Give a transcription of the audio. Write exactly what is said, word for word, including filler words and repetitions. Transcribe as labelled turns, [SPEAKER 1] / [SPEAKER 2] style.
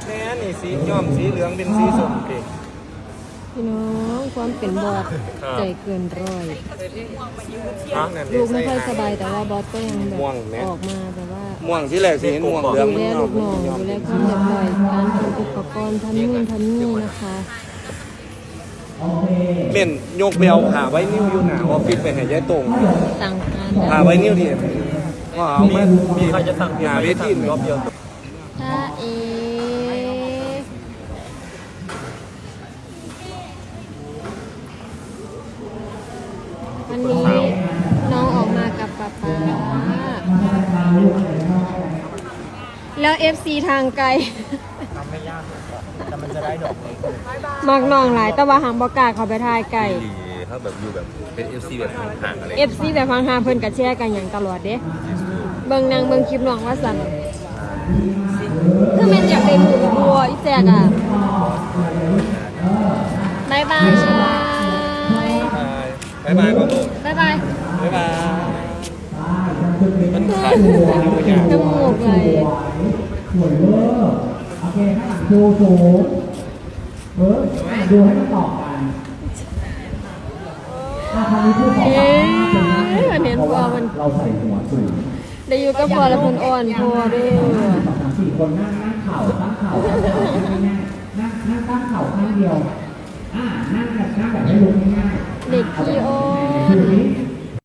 [SPEAKER 1] แม่นี่สีย้อมสีเหลืองเป็นสีส้มดิ
[SPEAKER 2] พี่น้องความเป็นบอสใจเกินร้อย ลูกไม่ค่อยสบายแต่ว่าบอสก็ยังแบบออกมาแบบว่า
[SPEAKER 1] ม่วงที่แรกสีเห็นม่วงเหลือง
[SPEAKER 2] ดูแลลูกน้องดูแลความเรียบร้อยการทำอุปกรณ์ทำนู่นทำนี่นะคะ
[SPEAKER 1] เม่นยกเบลหาไว้นิ้วอยู่หนาออฟฟิศไปให้ยายตรง
[SPEAKER 2] สั่งการ
[SPEAKER 1] หาไว้นิ้วดิว่าเอามา
[SPEAKER 3] มีใครจะสั่ง
[SPEAKER 1] หาเวที
[SPEAKER 3] รอบเดียว
[SPEAKER 2] ถ้าเอวันนี้น้องออกมากับป๊าป๊าแล้ว เอฟ ซี ทางไกล
[SPEAKER 3] ทำไม่ยากแต่มันจะได้ดอกนี้
[SPEAKER 2] มักน้องหลายแต่ว่าหางบอกล้าเขาไปทายไก่
[SPEAKER 3] ดีถ้าแบบอยู่แบบเป็น เอฟ ซี แบบห่างๆอะไร
[SPEAKER 2] เอฟซีแบบฟังหาเพิ่นกับแชร์กันอย่างตลอดเด้เบิ่งนางเบิ่งคลิปน้องว่าสั่นคือแม่นอยากเป็นหมูบัวอีแจกอ่ะบายบาย
[SPEAKER 1] บายบายก่อนลูก
[SPEAKER 2] บายบาย
[SPEAKER 1] บายบายมัน
[SPEAKER 2] จ
[SPEAKER 1] ขาดหัวอยู่อย่าง
[SPEAKER 2] มูกเลย
[SPEAKER 4] สวยเวอร์โอเคข้างหลังดูสูงเอออ่ะดูให้มันต่อกันอ่ะคราวนี้ผู้สอน
[SPEAKER 2] เอ๊ะ
[SPEAKER 4] เป็น
[SPEAKER 2] เห็น
[SPEAKER 4] เพราะ
[SPEAKER 2] พ่อ
[SPEAKER 4] ว่า
[SPEAKER 2] มัน
[SPEAKER 4] เราใส่หัวสูง
[SPEAKER 2] ได้อยู่กับพ่อแล้วเพิ่นอ่อนพ่อเด้อ
[SPEAKER 4] สองสามสี่คนนั่งนั่งเข่าตั้งเข่าง่ายๆนั่งนั่งตั้งเข่าข้างเดียวอ่านั่งแบบนั่งแบบไม่ลุกง่ายๆ
[SPEAKER 2] เด็กขี้อ้อน
[SPEAKER 4] ดูนี้